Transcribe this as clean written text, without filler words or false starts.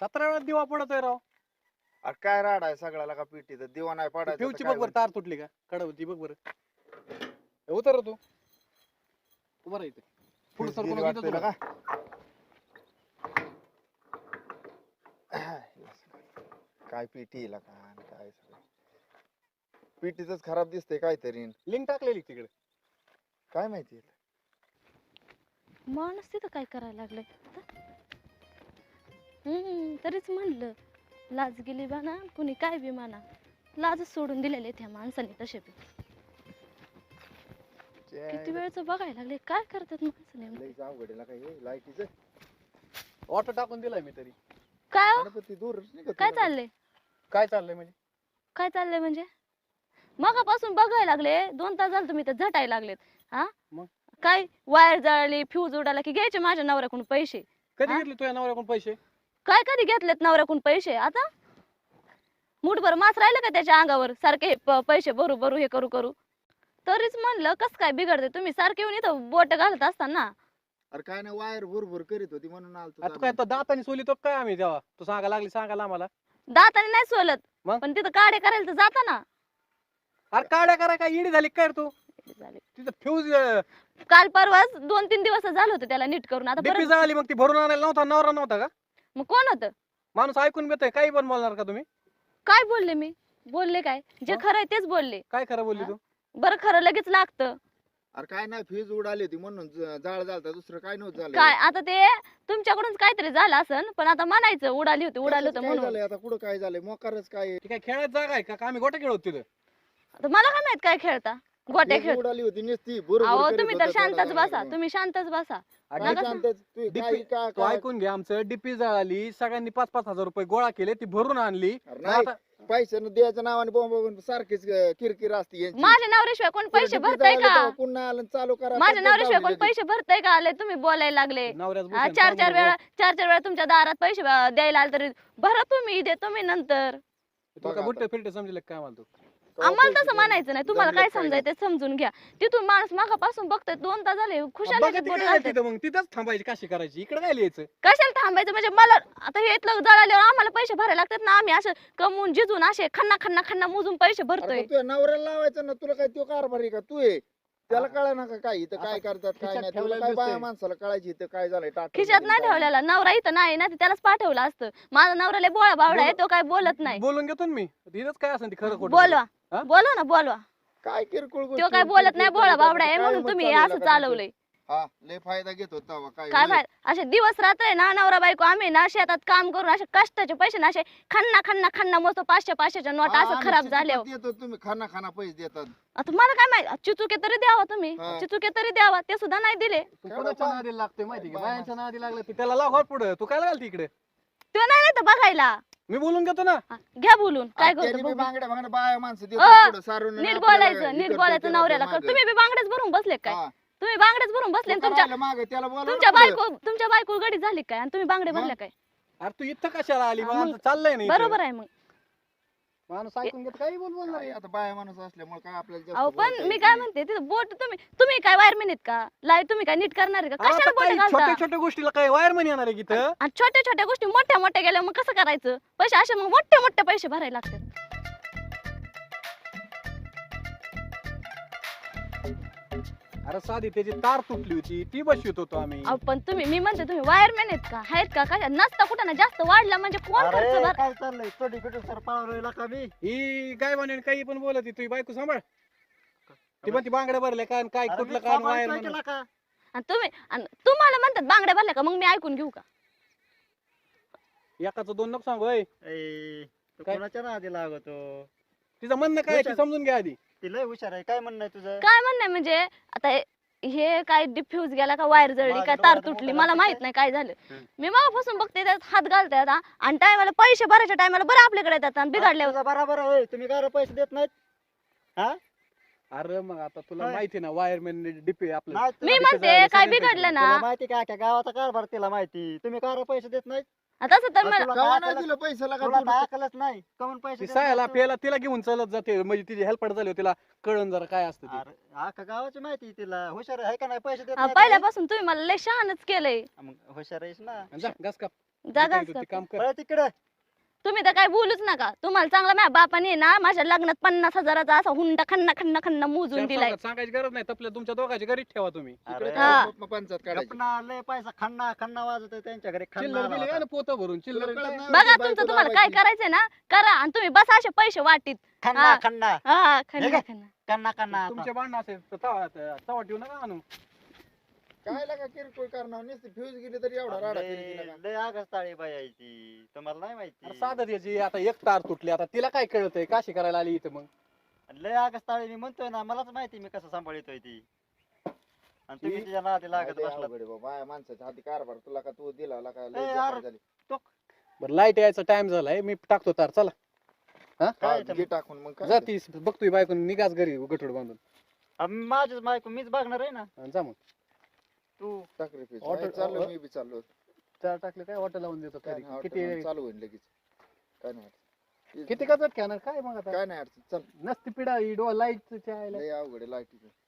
17 वेळा दिवा पडतोय राव. अरे काय राड आहे सगळ्याला का पिटीचं दिवा नाही पडायचा तर फ्यूजची काय बघ बरं तार तुटली का कडवती बघ बरं. उतर तू बरं इथे पुढे फ्यूज सरकून गेली वाटतंय येतो ना का? काय पिटी का आणि काय सगळं पिटीच खराब दिसते काहीतरी लिंक टाकलेली तिकडे. काय माहिती माणूस तिथं काय करायला लागलाय तरीच म्हणलं लाज गेली बाना कुणी काय बी म्हणा लाजच सोडून दिलेले त्या माणसाने तसे बी किती वेळचं बघायला लागले काय करतात माणसाने लईच अवघड आहे काय हे लाईटीचं ऑटो टाकून दिलाय मी तरी. काय हो? गणपती दूरच नाही का काय तुला? चाललंय काय चाललंय म्हणजे काय चाललंय म्हणजे मगापासून बघायला लागले 2 तास झाले तुम्ही तर झटायला लागलेत हा मग? काय वायर जळाली फ्यूज उडाला की घ्यायचे माझ्या नवऱ्याकडून पैसे कधी हा? घेतले तुझ्या नवऱ्याकडून पैसे? काय कधी घेतलेत नवऱ्याकडून पैसे आता मुठभर मास राहिलं का त्याच्या अंगावर सारखे हे पैसे भरू भरू हे करू करू तरीच म्हणलं कस काय बिघडते तुम्ही सारखे येऊन इथं बोट घालत असताना अरे काय नाही वायर भुरभुर करीत होती म्हणून आता काय आलतो तर दाताने सोलितो काय आम्ही तेव्हा तू सांगायला आम्हाला. दाताने नाही सोलत मग? पण तिथं काढे करायला तर जाता ना अरे काड्या करा काय इडी झाली काय रे तू झाले. तिथं फ्यूज काल परवाच 2-3 दिवस झालं होतं त्याला नीट करून आता डीपी परत जळाली मग ती भरून आणायला नव्हता नवरा नव्हता का? मग कोण होतं माणूस ऐकून घेतोय काही पण बोलणार का तुम्ही? काय बोलले मी बोलले काय जे मग? खरं आहे तेच बोलले काय खरं बोलली हा? तू? बरं खरं लगेच लागतं अरे काय नाही फ्यूज उडाली होती म्हणून जाळ झालता दुसरं काय नव्हतं झालं काय आता ते तुमच्याकडूनच काहीतरी झालं असन पण आता म्हणायचं उडाली होती कशाचं होतं काय म्हणून झालंय आता कुठं काय झालंय मोकारच काय ती काय खेळायची जागा आहे का आम्ही गोट्या खेळत तिथं? आता मला काय माहित काय खेळता गोट्या फ्यूज खेळ उडाली होती नुसती अहो तुम्ही तर शांतच बसा तुम्ही शांतच बसा आणि नका तू ऐकून घे आमचं डीपी जळाली सगळ्यांनी 5-5 हजार रुपये गोळा केले ती भरून आणली. आता पैसे द्यायच्या नावाने बोंब सारखीच किरकिर असते यांची. माझ्या नवऱ्याशिवाय कोण पैसे पुढे भरताय डीपी का जळाली तेव्हा पुन्हा आलं चालू करा माझ्या तर नवऱ्याशिवाय कोण लगेच. पैसे भरताय का आले तुम्ही बोलायला लागले नवऱ्याच हा, बसून 4-4 सांगू वेळा नको. 4-4 वेळा तुमच्या दारात पैसे द्यायला आले तरी भरा तुम्ही देतो मी नंतर तुला बघा काय बुट्टे फिरटे समजले काय म्हणतो? तेव्हा आम्हाला पैसे तसं म्हणायचं नाही तुम्हाला जमले काय पाहिजे. समजायचं ते समजून घ्या तिथून माणूस मागापासून बघतोय 2 तास झाले खुशाल बघा ती काय तिथं मग तिथंच थांबायची कशी करायची इकडे काय लिहायचं? कशाला थांबायचं म्हणजे मला आता हे इथलं जळाल्यावर आम्हाला पैसे भरायला लागतात ना आम्ही असं कमवून जिजून असे खन्ना खन्ना खन्ना मोजून पैसे अरे भरतोय पण तुझ्या नवऱ्याला लावायचं ना तुला काय तो कारभार आहे का तू आहे त्याला कळा ना काय इथं काय करतात काय खिशात नाही तुला ठेवलेलं काय बाया दिसतंय. माणसाला कळायची इथं काय झालंय टाटा खिशात नाही ठेवलेला नवरा इथं नाही ना ते त्यालाच पाठवलं असतं माझा नवऱ्याला बोळा बावडा आहे तो काय बोलत नाही बोलून घेतो ना मी तिथंच काय असेल ती खरं खोटं बोलवा हा? बोलवा ना बोलवा काय किरकोळ तो गोष्टी काय बोलत किरकिर नाही बोळा करतात. बावडा आहे काय म्हणून मग तुम्ही हे चाललेलं असं का चालवलंय तुमचं? हा लय फायदा घेत होता काय काय होय? माहित असे दिवस रात्र आहे ना नवरा बायको आम्ही ना शेतात काम करून असे कष्टाचे पैसे ना असे खन्ना खन्ना खन्ना मोजतो 500-500च्या नोट हा, असं आम्ही खराब चिचुकात झाले देतो तुम्ही खाना खाना पैसे देतात आता मला काय माहित चिचुके तरी द्यावा तुम्ही हा. चिचुके तरी द्यावा ते सुद्धा नाही दिले तू काय कोणाच्या बाबा? नादी लागतोय माहिती का? बाबा. बायांच्या नादी लागलं ती त्याला लाव पुढे तू काय घालती इकडे? तो नाही तर बघायला मी बोलून घेतो ना. हा, घ्या बोलून काय आणि त्यांनी करतो बी बघू. बांगड्या बांगड्या बाया माणसं अ, देतात पुढं सारून नीट आपल्याला बोलायचं हे नीट करतात, बोलायचं ते नवऱ्याला मागं. तुम्ही बी बांगड्याच भरून बसले काय हा. तुम्ही बांगड्याच भरून बसले तो आणि तुमच्या करायला मागं, त्याला बोलावं तुमच्या ना पुढं. तुमच्या बायको गडी झाली काय आणि तुम्ही बांगडे मग? भरले काय अरे तू इथं कशाला आली? हा, मग मग आमचं चाललंय नाही बरोबर आहे मग माणूस ऐकून घेत काही बोलणार काय आता बाया माणूस असल्यामुळे काय आपल्याला जास्त अहो पण बोलता मी येत काय नाही. म्हणते तिथं बोट तुम्ही काय वायरमॅन आहेत का लाईट तुम्ही काय नीट करणार आहे का कशाला बोट घालता छोट्या छोट्या गोष्टीला काय वायरमन येणार आहे की इथं? आणि छोट्या छोट्या गोष्टी मोठ्या मोठ्या गेल्या मग कसं करायचं पैसे असे मग मोठे मोठे पैसे भरायला लागतात अरे साधी त्याची तार तुटली होती ती बसवित होतो आम्ही. अहो पण मी म्हणते तुम्ही वायरमॅन आहेत का आहेत का कशा नसता कुठं ना जास्त वाढला म्हणजे कोण खर्च अरे भर काय चाललंय चोटी पिटून सर पळालोय का मी ही काय म्हणे काही पण बोलत तुझी बायको सांभाळ ती पण ती बांगड्या भरल्या काय आणि काय अरे कुठलं मी काय सांभाळतोय वायर केला का आणि तुम्हाला म्हणतात बांगड्या भरल्या का मग मी ऐकून घेऊ का एकाचं दोन नको सांगू होय. ए, तू काय? कोणाच्या नादी लागतो तिचं म्हणणं काय आहे ते समजून घ्या आधी. ती लय हुशार आहे काय म्हणणं आहे तुझं काय म्हणणं म्हणजे आता हे काय डिफ्यूज गेला का वायर जळली माझं काय तार डोळ्यात तुटली मोठं मला लागतं माहित काय? नाही काय झालं हं. मी मागापासून बघते त्यात हात घालतायत हा. आणि टायमाला पैसे भरायच्या टायमाला बरं आपल्याकडे येतात आणि बिघडल्यावर तुझं बरोबर आहे तुम्ही काय पैसे देत नाहीत हा अरे मग आता तुला काय? माहिती ना वायरमॅन डीपी आपलं नाही मी तुला- म्हणते जळाले, काय सगळे बिघडलं ना तुला माहिती का अख्ख्या गावाचा कारभार तिला माहिती तुम्ही काय पैसे देत नाहीत तसं तर अरे मला तुला कवा काय नाही अकलच- दिलं पैशाला का तुला तू? काय अकलच नाही कमून पैसे ती देत सायाला नाहीत तू? पेला तिला घेऊन चालत जाते म्हणजे तिची हेल्पड झाली होती, तिला कळण जरा काय असतं ते. अरे अख्ख्या गावाची माहिती आहे तिला हुशार आहे का नाही पैसे देत हा, नाहीत पहिल्यापासून तुम्ही मला लय शहाणच केलंय मग हुशार आहेस ना आणि जा घास काप जागाच ते का? काम कर. पळा तिकडे. तुम्ही तर काय बोलूच नका. तुम्हाला चांगला माझ्या बापाने ना माझ्या लग्नात 50,000चा असा हुंडा खन्ना खन्ना खन्ना मोजून चार दिलाय. चौघात सांगायची गरज नाही, तपल्या तुमच्या दोघांच्या घरीच ठेवा तुम्ही. इकडे अरे, हा. काय पंचायत काढायची गपना लय पैसा खन्ना खन्ना वाजत त्यांच्या घरी खन्ना चिल्लर आला दिली होता. ना पोतं भरून चिल्लर तुला कळत काय? नाही? बघा बायको तुमचं तुम्हाला काय दाबायची. करायचंय ना करा आणि तुम्ही बसा असे पैसे वाटीत. खन्ना हा. खन्ना हा हे खन्ना काय? खन्ना. खन्ना खन्ना तुमचे भांडण असेल तर तवा ठेवू नका आणू. काय लागा किरकोळ करणार नुसती फ्यूज गेली तरी एवढा राडा केली तिला का? लय आगस्ताळी बाई आहे ती तुम्हाला नाही अरे माहिती. साधं याची आता एक तार तुटली, आता तिला काय कळतंय काशी करायला आली इथं मग. लय आगस्ताळी मी म्हणतोय ना मलाच माहिती मी कसं सांभाळतोय ती. आणि तुम्ही ती- तिच्या नादी लागत लय बसलात. अवघड आहे बाबा. बाया माणसाच्या हाती कारभार तुला का तू दिला ला का ए, लय यार. जपान झाली. बरं लाईट यायचा टाइम झालाय, मी टाकतो तार. चला हा, काय घे टाकून मग काय जा ते. ती बघतोय बायकोन निघाच घरी गठोड बांधून. माझीच बायको मीच बघणार आहे ना. आणि जा मग. तू टाक रे फ्यूज. ऑटो- नाही, चाललो मी बी चाललो. तार टाकले काय ऑटो लावून देतो काय घरी. नाही, किती ऑटो चालू होईल लगेच. काय नाही अडचण. किती का खेळणार काय मग आता काय नाही अडचण. चल नसती पिढा लाईट लय अवघड आहे लाईटीचं.